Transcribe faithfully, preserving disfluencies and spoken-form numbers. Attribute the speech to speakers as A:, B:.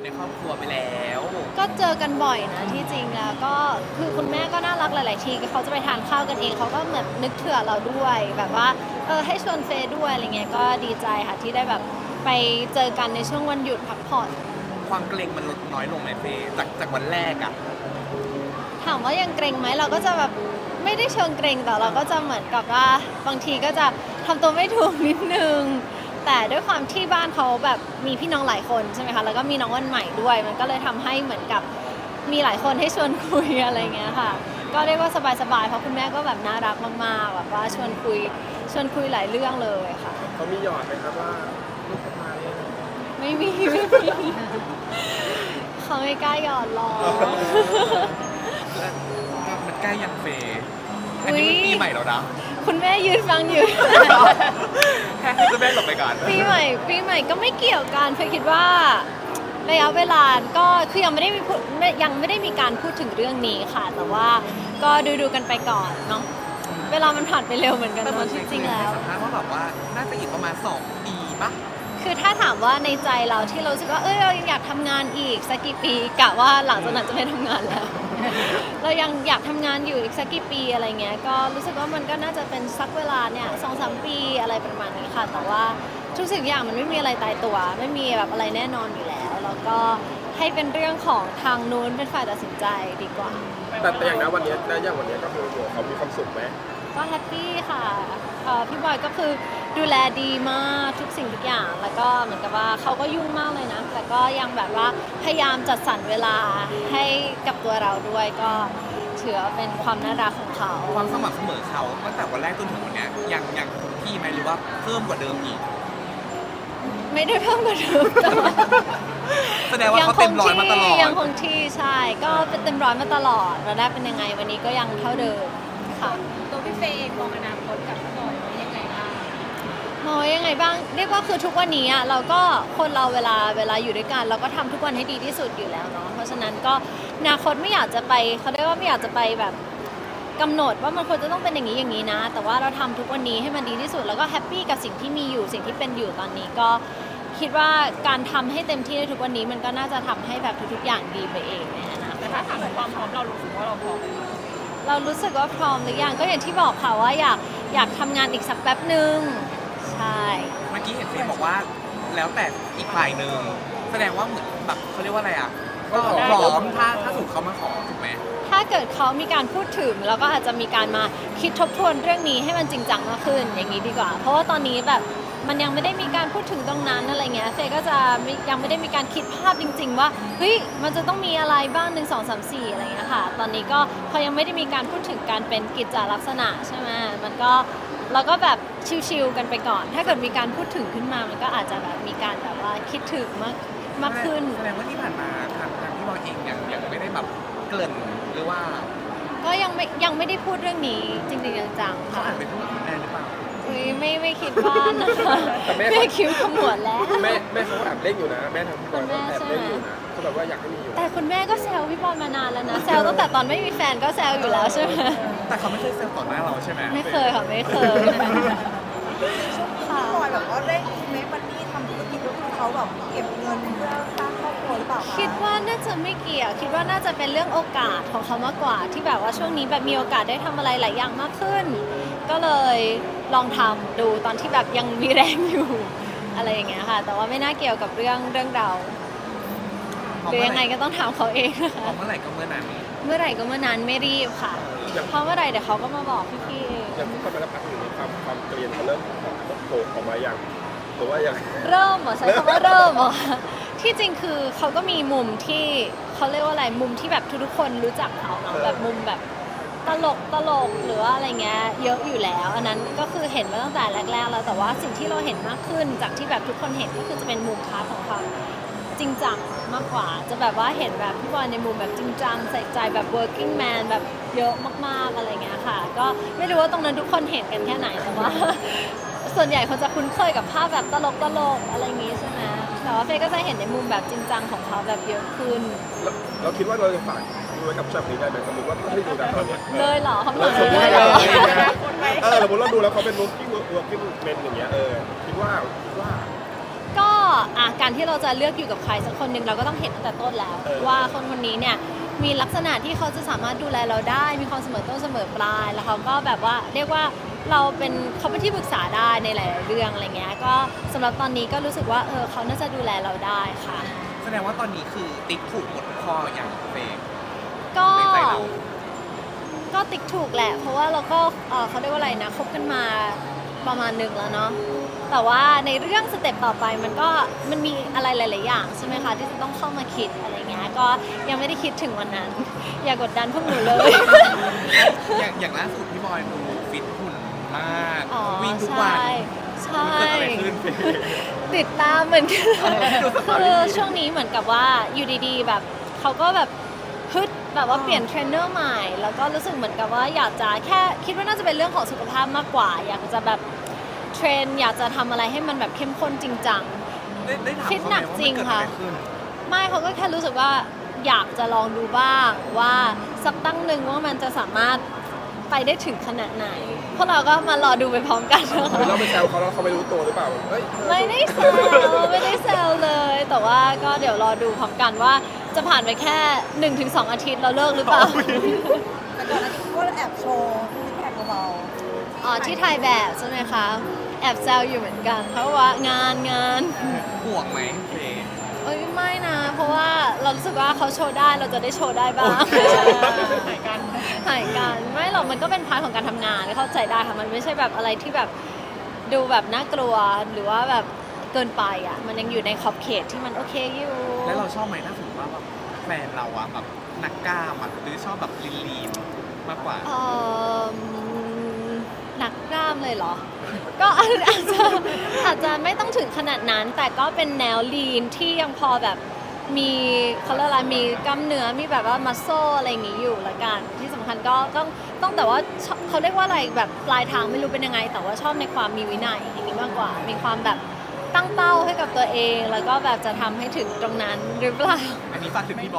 A: ครอบครัวไปแล้ว
B: ก็เจอกันบ่อยนะที่จริงแล้วก็คือคุณแม่ก็น่ารักหลายๆทีเขาจะไปทานข้าวกันเองเขาก็เหมือนนึกเผื่อเราด้วยแบบว่าเออให้ชวนเฟย์ด้วยอะไรเงี้ยก็ดีใจค่ะที่ได้แบบไปเจอกันในช่วงวันหยุดพักผ่อน
A: ความเกรงมันลดน้อยลงไหมเฟย์จากจากวันแรกอะ
B: ถามว่ายังเกรงไหมเราก็จะแบบไม่ได้เชิงเกรงแต่เราก็จะเหมือนกับว่าบางทีก็จะทำตัวไม่ถูกนิดนึงแต่ด้วยความที่บ้านเขาแบบมีพี่น้องหลายคนใช่ไหมคะแล้วก็มีน้องวันใหม่ด้วยมันก็เลยทำให้เหมือนกับมีหลายคนให้ชวนคุยอะไรเงี้ยค่ะก็เรียกว่าสบายๆเพราะคุณแม่ก็แบบน่ารักมากๆแบบว่าชวนคุยชวนคุยหลายเรื่องเลยค่ะ
C: เขามีหยอดไหมครับว่าลูกสะใภ้
B: ไม่มีไม่มีเขาไม่กล้าหยอดหรอก
A: มันใกล้ยังเฟย์อันนี้มันปีใหม่แล้วนะ
B: คุณแม่ยืนฟังอยู่
A: แค่ให้คุณแม่หลบไปก่อน
B: ปีใหม่ปีใหม่ก็ไม่เกี่ยวกันเฟย์คิดว่าระยะเวลาก็คือยังไม่ได้มียังไม่ได้มีการพูดถึงเรื่องนี้ค่ะแต่ว่าก็ดูดูกันไปก่อนเนาะเวลามันผ่านไปเร็วเหมือนกันเนาะจริงๆแล้ว
A: สัมภาษณ์ว่าแบบว่าน่าจะอีกประมาณสองปีปะ
B: คือถ้าถามว่าในใจเราที่เรารู้สึกว่าเอ้ยเรายังอยากทำงานอีกสักกี่ปีกะว่าหลังจากนั้นจะไม่ทำงานแล้วเรายังอยากทำงานอยู่อีกสักกี่ปีอะไรเงี้ยก็รู้สึกว่ามันก็น่าจะเป็นสักเวลาเนี่ยสองสามปีอะไรประมาณนี้ค่ะแต่ว่าทุกสิ่งอย่างมันไม่มีอะไรตายตัวไม่มีแบบอะไรแน่นอนอยู่แล้วแล้วก็ให้เป็นเรื่องของทางนู้นเป็นฝ่ายตัดสินใจดีกว่า
C: แต่แต่อย่างนั้นวันนี้และอย่างวันนี้ก็คือเขามีความสุขไหม
B: ก็แฮปปี้ค่ะพี่บอยก็คือดูแลดีมากทุกสิ่งทุกอย่างแล้วก็เหมือนกับว่าเขาก็ยุ่งมากเลยนะแต่ก็ยังแบบว่าพยายามจัดสรรเวลาให้กับตัวเราด้วยก็ถือว่าเป็นความน่ารักของเขา
A: ความสม่ำเสมอเขาตั้งแต่วันแรกจนถึงวันนี้ยังยังคงที่ไหมหรือว่าเพิ่มกว่าเดิมอีก
B: ไม่ได้เพิ่มกว่าเดิมแต่ว่า
A: แสดงว่าเขาเต็มร้อยมาตลอด
B: ยังคงที่ใช่ก็เป็นเต็มร้อยมาตลอดวันแรกเป็นยังไงวันนี้ก็ยังเท่าเดิมค่ะ
D: ตัวพี่เฟย์เองมองอนาคตกับพี่บอยไว้ยังไงบ้าง
B: มองยังไงบ้างเรียกว่าคือทุกวันนี้อ่ะเราก็คนเราเวลาเวลาอยู่ด้วยกันเราก็ทำทุกวันให้ดีที่สุดอยู่แล้วเนาะเพราะฉะนั้นก็อนาคตไม่อยากจะไปเขาเรียกว่าไม่อยากจะไปแบบกำหนดว่ามันควรจะต้องเป็นอย่างนี้อย่างนี้นะแต่ว่าเราทำทุกวันนี้ให้มันดีที่สุดแล้วก็แฮปปี้กับสิ่งที่มีอยู่สิ่งที่เป็นอยู่ตอนนี้ก็คิดว่าการทำให้เต็มที่ในทุกวันนี้มันก็น่าจะทำให้แบบทุกๆอย่างดีไปเองในอนาคต
D: แต่ถ้าถามถึงความพร้อมเรารู้สึกว่าเราพร้อมไหม
B: เรารู้สึกว่าพร้อมหรือยังก็อย่างที่บอกค่ะว่าอยากอยากทำงานอีกสักแป๊บหนึ่งใช่
A: เมื่อกี้เห็นเฟย์บอกว่าแล้วแต่อีกฝ่ายหนึ่งแสดงว่าเหมือนแบบเขาเรียกว่าอะไรอ่ะก็พร้อมถ้าถ้าถูกเขามาขอถูกไหม
B: ถ้าเกิดเขามีการพูดถึงแล้วก็อาจจะมีการมาคิดทบทวนเรื่องนี้ให้มันจริงจังมากขึ้นอย่างนี้ดีกว่าเพราะว่าตอนนี้แบบมันยังไม่ได้มีการพูดถึงตรงนั้นอะไรเงี้ยเฟย์ก็จะยังไม่ได้มีการคิดภาพจริงๆว่าเฮ้ยมันจะต้องมีอะไรบ้างหนึ่งสองสามสี่อะไรเงี้ยค่ะตอนนี้ก็พอยังไม่ได้มีการพูดถึงการเป็นกิจจลักษณะใช่ไหมมันก็เราก็แบบชิลๆกันไปก่อนถ้าเกิดมีการพูดถึงขึ้นมามันก็อาจจะแบบมีการแบบว่าคิดถึงมากมากขึ้น
A: แสดงว่าที่ผ่านมาทางทางพี่บอยเองยังยังไม่ได้แบบเกริ่นหรือว่า
B: ก็ยังไม่ยังไม่ได้พูดเรื่องนี้จริงๆจังๆ
A: เขา
B: ค่ะ
A: อาจเป็นผู้คุณแม่หรือเปล่า
B: อุ้ยไม่ไม่คิดว่านะคะแม่คิ้วขมวดแล้ว
C: แม่แม่เขาแอบเล่นอยู่นะแม่ทางพี่บอยก็แอบเล่นอยู่นะเขาแบบว่าอยากให้มีอยู่
B: แต่คุณแม่ก็แซวพี่บอลมานานแล้วนะแซวตั้งแต่ตอนไม่มีแฟนก็แซวอยู่แล้วใช่ไหม
A: แต่เขาไม่เคยแซวต่อหน้าเราใช่ไหม
B: ไม่เคยค่ะไม่เคย
D: ค่ะบอยแบบว่าเร่งเมคมันนี่ทำธุรกิจด้วยเขาแบบเก็บเงินเพื่อสร้างครอบครัวหรือเปล่า
B: คิดว่าน่าจะไม่เกี่ยวคิดว่าน่าจะเป็นเรื่องโอกาสของเขามากกว่าที่แบบว่าช่วงนี้แบบมีโอกาสได้ทำอะไรหลายอย่างมากขึ้นก็เลยลองทำดูตอนที่แบบยังมีแรงอยู่อะไรอย่างเงี้ยค่ะแต่ว่าไม่น่าเกี่ยวกับเรื่องเรื่องเราหรือยังไงก็ต้องถามเขาเอง
A: ค่ะเมื่อไหร่ก็เมื่อนั้น
B: เมื่อไหร่ก็เมื่อนั้นไม่รีบค่ะเพราะเมื่อไหร่เดี๋ยวเขาก็มาบอกพี่ๆเอง
C: อย่างที่เขาไปรับพักอยู่ในความความเกลียนเขาเริ่มโผล่ออกมาอย่างหรือว่าอย่าง
B: เริ่มเหรอใช้คำว่าเริ่มเหรอที่จริงคือเขาก็มีมุมที่เขาเรียกว่าอะไรมุมที่แบบทุกๆคนรู้จักเขาเนาะแบบมุมแบบตลกตลกหรือว่าอะไรเงี้ยเยอะอยู่แล้วอันนั้นก็คือเห็นมาตั้งแต่แรกๆแล้วแต่ว่าสิ่งที่เราเห็นมากขึ้นจากที่แบบทุกคนเห็นก็คือจะเป็นมุมพาร์ทของความจริงจังมากกว่าจะแบบว่าเห็นแบบพี่บอลในมุมแบบจริงจังใส่ใจแบบ working man แบบเยอะมากๆอะไรเงี้ยค่ะก็ไม่รู้ว่าตรงนั้นทุกคนเห็นกันแค่ไหนแต่ว่าส่วนใหญ่คนจะคุ้นเคยกับภาพแบบตลกตลกอะไรอย่างงี้ใช่ไหมแต่ว่าเฟย์ก็จะเห็นในมุมแบบจริงจังของเขาแบบเยอะขึ้น
C: เราคิดว่าเราจะฝากดูไว้กับชอบนี้ได้ไหมสมมติว่าให้ดูนะตอนนี้
B: เลยเหรอเขาบอก
C: เลยเออสมมติเราดูแล้วเขาเป็น working working men อย่างเงี้ยเออคิดว่าคิดว่า
B: ก็อ่ะการที่เราจะเลือกอยู่กับใครสักคนหนึ่งเราก็ต้องเห็นตั้งแต่ต้นแล้ว ว่าคนคนนี้เนี่ยมีลักษณะที่เขาจะสามารถดูแลเราได้ มีความเสมอต้นเสมอปลาย แล้วเขาก็แบบว่าเรียกว่าเราเป็นเขาเป็นที่ปรึกษาได้ในหลายๆเรื่องอะไรเงี้ยก็สำหรับตอนนี้ก็รู้สึกว่าเออเขาน่าจะดูแลเราได้ค่ะ
A: แสดงว่าตอนนี้คือติ๊กถูกหมดทุกข้ออย่างเฟย์
B: ก็
A: ในใจเรา
B: ก็ติ๊กถูกแหละ เพราะว่าเราก็เอ่อเขาเรียกว่าอะไรนะคบกันมาประมาณหนึ่งแล้วเนาะแต่ว่าในเรื่องสเต็ปต่อไปมันก็มันมีอะไรหลาย ๆ อย่างใช่ไหมคะที่จะต้องเข้ามาคิดอะไรเงี้ยก็ยังไม่ได้คิดถึงวันนั้น อย่ากดดันพวกหนูเลย
A: อย่างอย่างล่าสุดพี่บอยดูฟิตหุ่นมาก
B: อ๋อ
A: วิ่งทุกวัน
B: ใช่ใช่
A: มันเกิดอะไรขึ้น
B: ติดตามเหมือนกัน
A: เออให้ดูสตอรี่
B: คือช่วงนี้เหมือนกับว่าอยู่ดีๆ แบบเขาก็แบบฮึดแบบว่าเปลี่ยนเทรนเนอร์ใหม่ แล้วก็รู้สึกเหมือนกับว่าอยากจะแค่คิดว่าน่าจะเป็นเรื่องของสุขภาพมากกว่า อยากจะแบบเทรนอยากจะทำอะไรให้มันแบบเข้มข้นจริงจัง
A: ได้ได้ถาม
B: ฟิต
A: เขา
B: ห
A: ไห
B: นั
A: ม
B: ก
A: ว่า
B: จริ
A: มัน
B: ง
A: เกิด
B: ค่ะ
A: อะไรขึ้น
B: ไม่เขาก็แค่รู้สึกว่าอยากจะลองดูบ้างว่าสักตั้งหนึ่งว่ามันจะสามารถไปได้ถึงขนาดไหนพวกเราก็มารอดูไปพร้อมกันนะคะ
C: เราไปแซวเขาแล้วเขาไม่รู้ตัวหรือเปล่าเฮ้ย
B: ไม่ได้แซวไม่ได้แซวเลย แต่ว่าก็เดี๋ยวรอดูพร้อมกันว่าจะผ่านไปแค่ หนึ่งถึงสอง อาทิตย์เราเลิกหรือเปล่า
D: แต่ก่อนหน้านี้ก็แอบโชว์ซิกแพคเบา
B: อ๋อที่ถ่ายแบบใช่ไหมคะ แอบแซวอยู่เหมือนกัน เพราะว่างานงาน
A: ห่วงไหมเฟย์
B: เอ้ยไม่นะ เพราะว่าเรารู้สึกว่าเขาโชว์ได้เราจะได้โชว์ได้บ้าง
A: โอเค
B: หายกันหายกันไม่หรอกมันก็เป็นพาร์ทของการทำงานเข้าใจได้ค่ะมันไม่ใช่แบบอะไรที่แบบดูแบบน่ากลัวหรือว่าแบบเกินไปอ่ะมันยังอยู่ในขอบเขตที่มันโอเคอยู่
A: แล้วเราชอบไหมถ้าสมมติว่าแบบแฟนเราอะแบบนักกล้ามอะหรือชอบแบบลีนลีนๆมากกว่า
B: เอ่อหนักกล้ามเลยเหรอ ก็อาจอาจจะอาจจะไม่ต้องถึงขนาดนั้น แต่ก็เป็นแนวลีนที่ยังพอแบบมีเขาเรียกอะไรมีกล้ามเนื้อมีแบบว่ามัสโซอะไรอย่างงี้อยู่ละกัน ที่สำคัญก็ต้องต้องแต่ว่าชอบเขาเรียกว่าอะไรแบบปลายทางไม่รู้เป็นยังไง แต่ว่าชอบในความมีวินัยอย่างนี้มากกว่า มีความแบบตั้งเป้าให้กับตัวเอง แล้วก็แบบจะทำให้ถึงตรงนั้นหรือเปล่า
A: อันนี้ฝากถึงพี่บอย